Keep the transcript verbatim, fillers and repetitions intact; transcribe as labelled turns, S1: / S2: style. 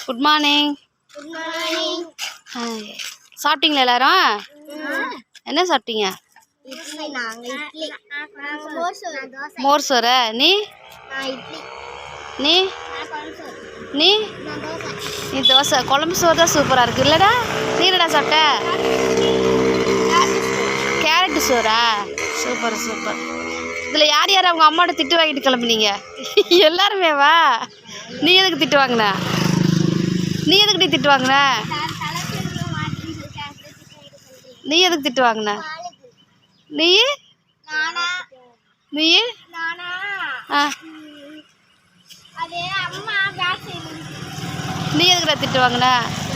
S1: Good morning.
S2: Good morning.
S1: சாப்பிட்டீங்களா எல்லாரும்? என்ன சாப்பிட்டீங்க?
S2: இட்லி. நாங்க இட்லி. நாங்க மோர் சோறு. தோசை.
S1: மோர் சோறு. நீ?
S2: நான் இட்லி.
S1: நீ?
S2: நான் குழம்பு சோறு.
S1: நீ?
S2: நான் தோசை.
S1: நீ தோசை. குழம்பு சோறு தான் சூப்பராக இருக்குது இல்லைடா? நீ என்னடா சாப்பிட்ட? கேரட்டு சோறா? Super super. இதில் யார் யார் அவங்க அம்மாட்ட திட்டு வாங்கிட்டு கிளம்புனீங்க? எல்லாருமே வா. நீ எதுக்கு திட்டு வாங்கின? நீ எதுக்கு நீ திட்டு வாங்கின? நீ எதுக்கு திட்டு வாங்கின? நீ நீ ஆ நீ எதுக்குடா திட்டு வாங்கின?